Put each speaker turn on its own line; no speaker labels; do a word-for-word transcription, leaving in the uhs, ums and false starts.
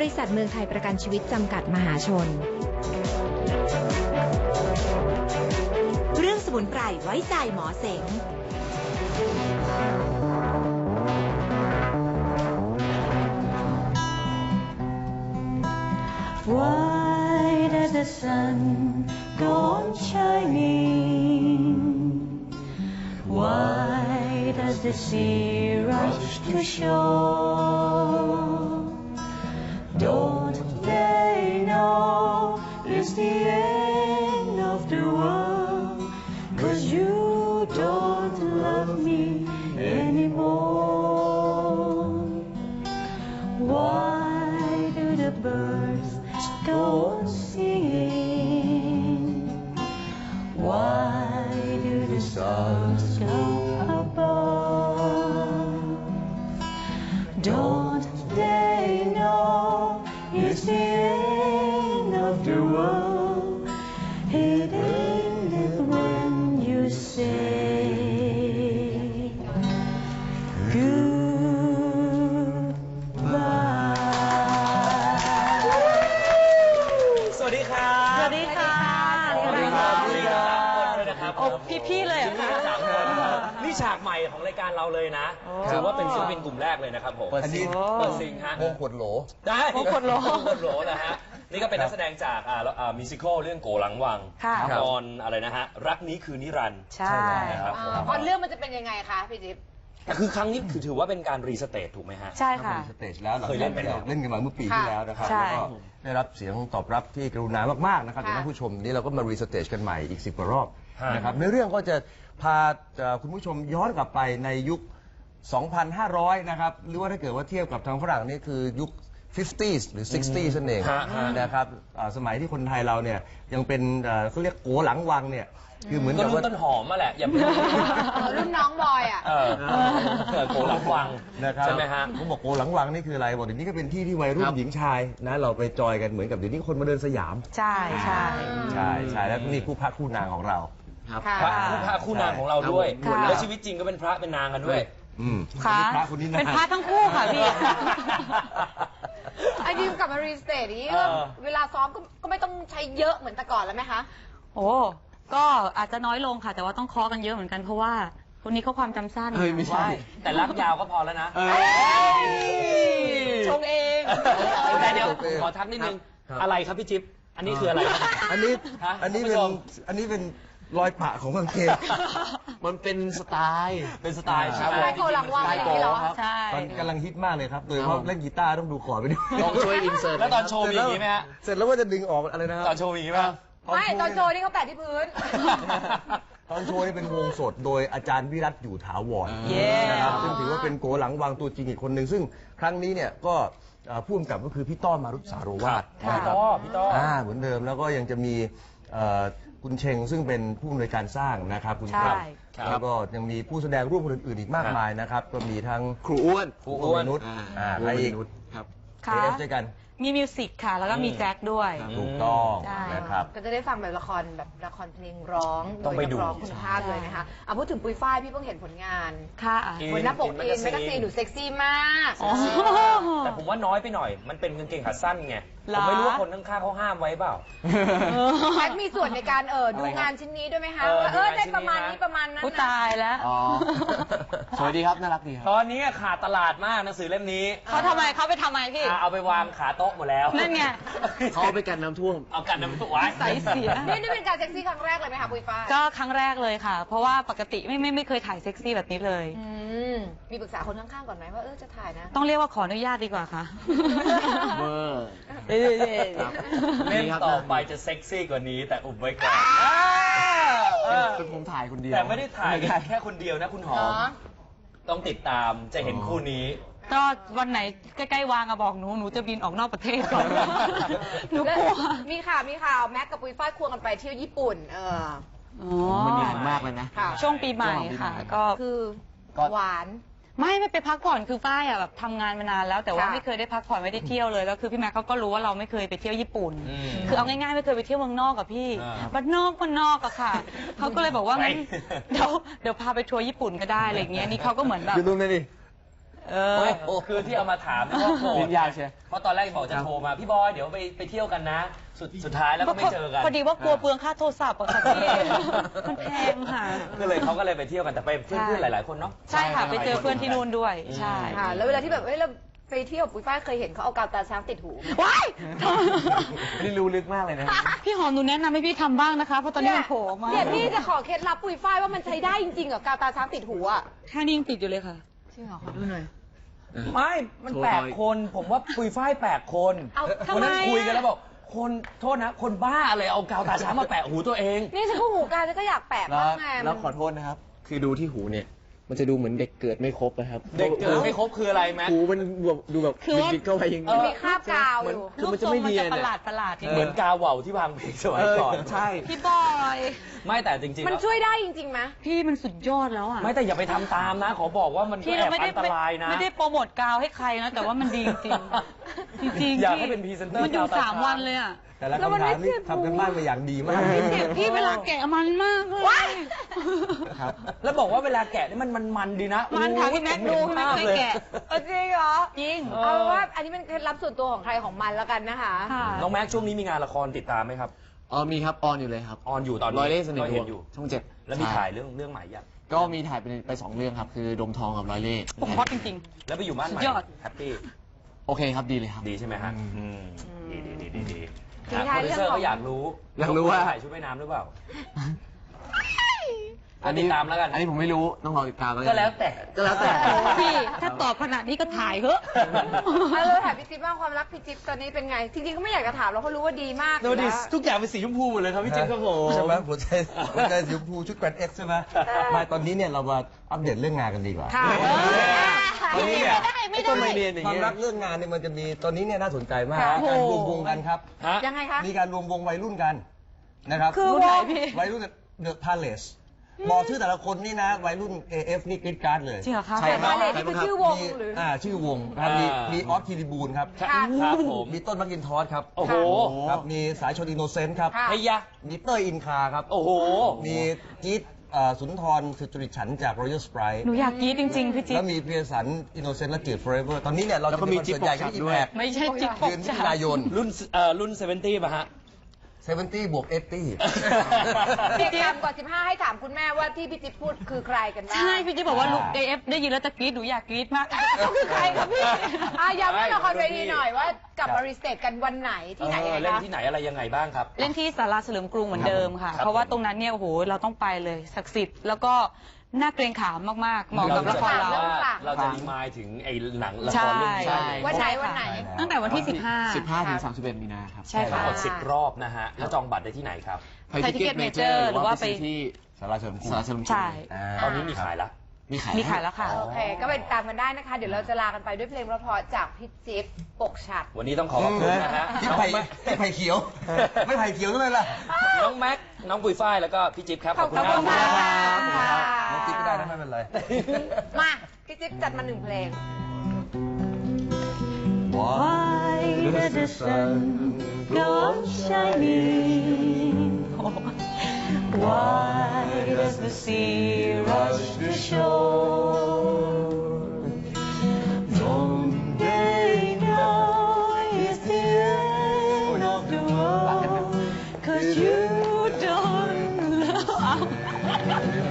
ริษัทเมืองไทยประกันชีวิตจำกัดมหาชนเรื่องสมุนไพรไว้ใจหมอเสง
Why does the sun go on shining? Why does the sea rush to shore? Don't they know it's the end of the world? 'Cause you don't love me anymore. Why do the birds go on singing? Why do the stars go above? Don't they know it's the end of the world? It ended when you say goodbye.
สวัสดีครับ
สวัสดีค่ะ
สวัสดีครับสวัสดีครับด้วยนะครับ
โอ้พี่ๆเลยเหรอคะ
สามคนนี่ฉากใหม่ของรายการเราเลยนะถือว่าเป็นศิลปินกลุ่มแรกเลยนะครับผม
เปิดซิง
เปิดซิงฮะ
วงขวดโหล
ได้
วงขวดโหล
วงขวดโหลนะฮะนี่ก็เป็นนักแสดงจากอ่าอ่ามิวสิควลเรื่องโกหลังวัง
ค่ะ
ตอนอะไรนะฮะรักนี้คือนิรันดร์
ใช่
นะครับ
อ่าพอเรื่องมันจะเป็นยังไงคะพี่จิ๊บ
แต่คือครั้งนี้คือถือว่าเป็นการรีสเตทถูกไหมฮะ
ใช่ค่ะ
สเตจแล้ว
เคยเล่นไปแล้ว
เล่นกันมาเมื่อปีที่แล้วนะครับ
ใช่
แล้วก็ได้รับเสียงตอบรับที่กรุณามากๆนะครับ
ค่ะ
จากท่านผู้ชมนี่เราก็มารีสเตจกันใหม่อีกสิบกว่ารอบ
ฮะ
นะครับในเรื่องก็จะพาเอ่อคุณผู้ชมย้อนกลับไปในยุค สองพันห้าร้อย นะครับหรือว่าถ้าเกิดว่าเทียบกับทางฝรั่งนี่คือยุค ห้าสิบ หรือ หกสิบนั่นเอง
ฮะฮะ
นะครับอ่าสมัยที่คนไทยเราเนี่ยยังเป็นเอ่อเขาเรียกโกหลังวังเนี่ยคือเหมือน
ก็
กับ
รุ่
ว่า
นต้นหอมมาแหละอย่าไป
รุ่นน้องบอยอ่ะ
เออเออโกหลังวัง
นะครับ
ใช่ไหมฮะ
ผมบอกโกหลังวังนี่คืออะไรบอกเดี๋ยวนี้ก็เป็นที่ที่วัยรุ่นหญิงชายนะเราไปจอยกันเหมือนกับเดี๋ยวนี้คนมาเดินสยาม
ใช่ใช่
ใช่ใช่แล้วนี่คู่พระคู่นางของเรา
ค่ะ
พระคู่พระคู่นางของเราด้วย
ค่ะ
แล้วชีวิตจริงก็เป็นพระเป็นนางกันด้วย
อืม
ค่ะ
พระคนนี้นะ
เป็นพระทั้งคู่ค่ะพี่
ไอ้ดิวกลับมารีสเตทนี้
เออ
เวลาซ้อมก็ก็ไม่ต้องใช้เยอะเหมือนแต่ก่อนแล้วไหมคะ
โอ้ก็อาจจะน้อยลงค่ะ แต่ว่าต้องเคาะกันเยอะเหมือนกันเพราะว่าคนนี้เขาความจำสั้น
เฮ้ยไม่ใช่
แต่รับยาวก็พอแล้วนะ
ชงเอง
แต่เดี๋ยวขอทักนิดนึง
ครับ
อะไรครับพี่จิ๊บอันนี้คืออะไร
อันนี้
ฮะ
อันนี้
คุณผู้
เป็น
ชม
อันนี้เป็นรอยปะของกางเกง
มันเป็นสไตล์
เป็นสไตล์
ค
ใช่
รับ
ไหม
สไตล์โกหลังวัง
สไตล์โกเหรอครับ
ใช่
ตอนกำลังฮิตมากเลยครับโดยเฉพาะเล่นกีตาร์ต้องดูคอร์ดไปด้วย
ลองช่วยอินเสิร์ต
แล้วตอนโชว์มีอย่างนี้ไหมฮะ
เสร็จแล้วว่าจะดึงออกอะไรนะครับ
ตอนโชว์มีอย่างนี้ไหม
ไม่ตอนโจนี่เขาแปะที่พื้น
ตอนโชว์นี่เป็นวงสดโดยอาจารย์วิรัตอยู่ถาวร
เย้
นะครับซึ่งถือว่าเป็นโกหลังวังตัวจริงอีกคนหนึ่งซึ่งครั้งนี้เนี่ยก็เอ่อผู้กำกับก็คือพี่ต้อมมารุตสาโรวาท
พี่
นะครับ
ต้อพี่ต้อ
อ่าเหมือนเดิมแล้วก็ยังจะมีเอ่อคุณเชงซึ่งเป็นผู้อำนวยการสร้างนะครับคุณ
ใช่
ครับแล้วก็ยังมีผู้แสดงร่วมคนอื่นๆอีกมากมายนะครับก็มีทั้ง
ครูอ้วน
ครูอ้วนนุชอ่าใครอีก
ครับ
ค่ะ
เอฟด้วยกัน
มีมิวสิกค่ะ แล้วก็มีแจ็คด้วย
ถูกต้อง
ใช่
นะครับ
ก็จะได้ฟังแบบละครแบบละครเพลงร้อง
ต้องไปดู
โยนักร้องคุณภาพเลยนะคะเอาพูดถึงปุยฝ้ายพี่เพิ่งเห็นผลงาน
ค่ะ
บนหน้าปกอินแมกกาซีนหนูเซ็กซี่มาก
อ๋อ
แต่ผมว่าน้อยไปหน่อย มันเป็นกางเกงขาสั้นไง
เหร
ผ
อ
มไม่รู้ว่าคนข้างๆเขาห้ามไว้เปล่า
แพทมีส่วนในการเออดูงานชิ้นนี้ด้วยไหมคะ
เออ
ว่าเออ
ดูงาน
ได้
ชิ้นนี้
ประมาณ
นะ
นี้ประมาณนั้น
ผู้
นะ
ตายแล้ว
อ๋อ สวัสดีครับ น่ารักดีครับ
ตอนนี้ขาดตลาดมากหนังสือเล่มนี้
เขาทำไมเขาไปทำไมพี่
อ่ะเอาไปวางขาโต๊ะหมดแล้ว
นั่นไง
เขาเอาไปกันน้ำท่วม
เอากันน้ำตัวไว้
ใส่เสีย
นี่นี่เป็นการเซ็กซี่ครั้งแรกเลยไหมคะปุยฝ้าย
ก็ครั้งแรกเลยค่ะ เพราะว่าปกติไม่ไม่ไม่เคยถ่ายเซ็กซี่แบบนี้เลย
อืมมีปรึกษาคนข้างๆก่อนไหมว่าเออจะถ่ายนะ
ต้องเรียกว่าขออนุญาตดีกว่าค่ะ
เบอร์
เอ้ย
ครับ
เล่มต่อไปจะเซ็กซี่กว่านี้แต่อุบไว้ก่อน
เป็นผมถ่ายคนเดียว
แต่ไม่ได้ถ่ายกันแค่คนเดียวนะคุณหอม
เนาะ
ต้องติดตามจะเห็นคู่นี้
ก็วันไหนใกล้ๆวางอะบอกหนู หนูจะบินออกนอกประเทศก่อน หนูกลัว
มีข่าวมีข่าวแม็กกับปุยฝ้ายควงกันไปเที่ยวญี่ปุ่น เออ
อ๋อ
มันดีมากเลยนะ
ค่ะ
ช่วงปีใหม่ค่ะ ก็
คือ
ก็
หวาน
ไม่ไม่ไปพักผ่อนคือฝ้ายอะแบบทำงานมานานแล้ว แต่ว่า
ค่ะ
ไม่เคยได้พักผ่อนไม่ได้เที่ยวเลยแล้วคือพี่แม็กเขาก็รู้ว่าเราไม่เคยไปเที่ยวญี่ปุ่น
อืม
คือเอาง่ายๆไม่เคยไปเที่ยวเมืองนอกกับพี่
อ่า
บ้านนอกบ้านนอกอะค่ะเขาก็เลยบอกว่างั้น
ไป
เดี๋ยวเดี๋ยวพาไปทัวร์ญี่ปุ่นก็ได้อะไรอย่างเงี้ยนี่เขาก็เหมือนแบบ
คือตรงนี้ดิ
เออ
ไม่คือที่เอามาถามเนี่ยเพราะโกรธ
ลิ้นยาวใช่
เพราะตอนแรกบอกจะโทรมาพี่บอยเดี๋ยวไปไปเที่ยวกันนะ สุดสุดท้ายแล้วก็ไม่เจอกัน
พอดีว่ากลัวเปลืองค่าโทรศัพท์อะค่ะพี่ มันแพงค่ะ
ก็เลยเขาก็เลยไปเที่ยวกันแต่ไปเพื่อนๆหลายๆคนเนาะ
ใช่ค่ะไปเจอเพื่อนที่นู่นด้วย ใช่
ค่ะ แล้วเวลาที่แบบเฮ้ยเราไปเที่ยวปุ้ยฝ้ายเคยเห็นเขาเอากาวตาช้างติดหู
ว้าย
นี่รู้ลึกมากเลยนะ
พี่หอมหนูแนะนำให้พี่ทำบ้างนะคะ เพราะตอนนี้มันโผล่มา
เนี่ยพี่จะขอเคล็ดลับปุ้ยฝ้ายว่ามันใช้ได้จริงๆเหรอกาวตาช้างติดหูอ่ะ
แค่นี้ยังติดอยู่เลยค่ะ
จริงเหรอขอดูหน่อย
ไม่ มันแปลกคน ผมว่าปุยฝ้ายแปลกคน
เอาทำไม
วันนั้น
อะ
คุยกันแล้วบอก คนโทษนะ คนบ้าเลยเอากาวตาช้างมาแปะหูตัวเอง
นี่ฉันก็หูกลางฉันก็อยากแปะ
แล้ว
บ้างไง
แล้วขอโทษนะครับ คือดูที่หูเนี่ย มันจะดูเหมือนเด็กเกิดไม่ครบนะครับ
เด็กเกิดไม่ครบคืออะไรแม็ก
หูมันแบบดูแบบ
คือว่า
บิดๆเข้าไปอย่าง
มัน
นี้
มีคราบกาวอยู่
คือมันจะไม่เนียน
รูปทรงประหลา
อะ
ดประหลาดๆ
เหมือนกาวเหว่าที่วางเพลงสมัยก่อน
เออใช่
พี่บอย
ไม่แต่จริงๆ
มัน
แล้ว
ช่วยได้จริงๆไหม
พี่มันสุดยอดแล้วอ่ะ
ไม่แต่อย่าไปทำตามนะ ขอบอกว่ามันก็
พี่
แอ
เรา
บ
ไม่
อั
ได้
นตรายนะ
ไม่ได้โปรโมทกาวให้ใครนะ แต่ว่ามันดีจริงๆจริงๆ
อยาก
พี่
ให้เป็นพรีเซนเตอร์
มันอยู่
กาวตา
สาม
ช้าง
วันเลยอ่ะ
แต่ละ
แล้วมัน
คำถาม
ไม่
นี่
เจ็บ
ทำกันบ้านมาอย่างดีมาก
เจ็บพี่เวลาแกะมันมากเลย
ครับ
แล้วบอกว่าเวลาแกะนี่มันมันมันดีนะ
มันค่ะ
โอ้โห
พี่แม็ก
ผ
ดู
เห็น
พี่แม็ก
ภาพ
เคย
เลย
แกะ
เออจริงเหรอ
จริง
เอาเป็นว่าอันนี้เป็นเคล็ดลับส่วนตัวของใครของมันแล้วกันนะคะ
ค่ะ
น้องแม็กช่วงนี้มีงานละครติดตามไหมครับ
อ๋อมีครับ ออนอยู่เลยครับ
ออนอยู่ตอนนี้
ร้อยเล่ห์เสน่ห์
ก็เห็นอยู่
ช่องเจ็ด
แล้วมี
ใช่
ถ่ายเรื่องเรื่องใหม่ยัง
ก็มีถ่ายไปไปสองเรื่องครับ คือดมทองกับร้อยเล่ห์
ผมฮอตจริง
แล้วไปอยู่บ้านใหม่
สุดยอด
แฮปปี้
โอเคครับดีเลยครับ
ดีใช่ไหมฮะอืมดีดีดีดีดี
ทิ้งท้าย
โปรดิว
เรื่อง
เซอร์
ของ
ก็อยากรู้
อยากรู้ว่า
ถ่ายชุดว่ายน้ำหรือเปล่า
อันนี้
ติดตามแล้วกัน
อันนี้ผมไม่รู้ต้องรอติดตามแล้วน
ก็แล้วแต่
ก็แล้วแต่
ๆ พี่ถ้าตอบขนาดนี้ก็ถ่ายเถอะ
เอาเลยถามพี่จิ๊บบ้างความรักพี่จิ๊บตอนนี้เป็นไง จริงๆก็ไม่อยากจะถามเราเพราะรู้ว่าดีมาก
ดูดิ
อยู่แล้ว
ทุกอย่างเป็นสีชมพูหมดเลยครับพี่จิ๊บครับผม
ใช่ไหมหัวใจหัวใจสีชมพูชุดแกรนด์เอ็กซ์ใช่ไหมมาตอนนี้เนี่ยเรามาอัปเดตเรื่องงานกันดีกว่า
ค่ะ
ตอนนี้เนี่ย
ไม่ได้ไม่ได้
ต้นไม้เรียนอย่าง
ความ
เงี้ย
รักเรื่องงานเนี่ยมันจะมีตอนนี้เนี่ยน่าสนใจมาก
ค่ะ
การรวมวงกันครับ
ฮะ
ยังไงคะ
มีการรวมวงวัยรุ่นกันนะครับ
คือ
รุ่นไหน
วง
พี่
วัยรุ่นเดอะพาเลสบอกชื่อแต่ละคนนี่นะวัยรุ่น เอ เอฟ นี่กรีดกราร์ดเลย
จริงเหรอคะ
ใช่ค
มา
รับ
เลยนี่คือชื่อวง
มี
หรือ
อ่าชื่อวงครับมีมีออสคิริบูลครับ
ค่ะ
ครับผม
มีต้นมักกินทอสครับ
โอ้โห
ครับมีสายชนอินโนเซนต์ครับ
ค่ะ
ไอ้ยะ
มีเต้ยอินคาครับ
โอ้โห
มีกีตเอ่อสุนทรสุจริตฉันท์จาก Royal Sprite
หนูอยากกรี๊ดจริงๆ พี่จิ๊
แล้
บ
วมีเพียสันอินโนเซนต์และจืด Forever ตอนนี้เนี่ยเรา
แล้ว
จะ
ก็
มี
มี
คอนเสิร์ตใหญ่ที่
จิ๊
อิ
บ
ม
ปกฉัดด้วย
แพค
ไม่ใช่จิ๊บป
เดื
ก
อนมิ
ฉา
ถุนายน
รุ่นเอ่อรุ่นเซเวนตี้ป่ะฮะ
เซเวนตี้บวกเอตี้
เด็กต่ำกว่าสิบห้าให้ถามคุณแม่ว่าที่พี่จิ๊บพูดคือใครกันบ้าง
ใช่พี่จิ๊บบอกว่าลูก เอ เอฟ ได้ยินแล้วจะกรี๊ดหนูอยากกรี๊ดมากเขาคือใครครับพี่
อ่ะย้ำเรื่องละครเวทีหน่อยว่ากลับมารีสเตทกันวันไหนที่ไหนยังไง
เล่น
คะ
ที่ไหนอะไรยังไงบ้างครับ
เล่นที่ศาลาเฉลิมกรุงเหมือนเดิมค่ะ
ครับ
เพราะว่าตรงนั้นเนี่ยโอ้โหเราต้องไปเลยศักดิ์สิทธิ์แล้วก็น่าเกรงขามมากๆเหมาะกับละครเรา
เรื่อง
เราจะรีมายถึงไอ้หนังละค
ใช่
รเรื่องนี้
ใช่
วันไหนวันไหน
ตั้งแต่วันที่สิบห้า
สิบห้าถึงสามสิบเอ็ดมีนาครับ
ใช่ค่ะ
ทั้งหมดสิบรอบนะฮะ แล้วจองบัตรได้ที่ไหนครับ
ไทยทิเก็ตเมเจอร์หรือว่าไปซื้อที่
สาราเฉลิมกรุง
สาราเฉลิมกรุง
ใช่
อ่า
ตอนนี้มีขายละ
มีขาย
มีขายแล้วค่ะ
โอเค ก็ไปตามกันได้นะคะ เดี๋ยวเราจะลากันไปด้วยเพลงเพราะๆจากพี่จิ๊บปกฉัด
วันนี้ต้องขอขอบคุณนะฮะ
ที่
น้อง
ไผ่
แม็ก
ที่ไผ่เขียว ไม่ไผ่เขียวด้วยล่ะ
น้องแม็ก น้องปุยฝ้าย แล้วก็พี่จิ๊บครับ ขอบคุณ
ขอบคุณ
มาก
ค่ะ
ครับ
น้องจิ๊บก็ได้นะไม่เป็นไร
มา พี่จิ๊บจัดมาหนึ่งเพลง
Why does the sun go on shining? Why does the sea rush to shore? Don't they know it's the end of the world? 'Cause you don't love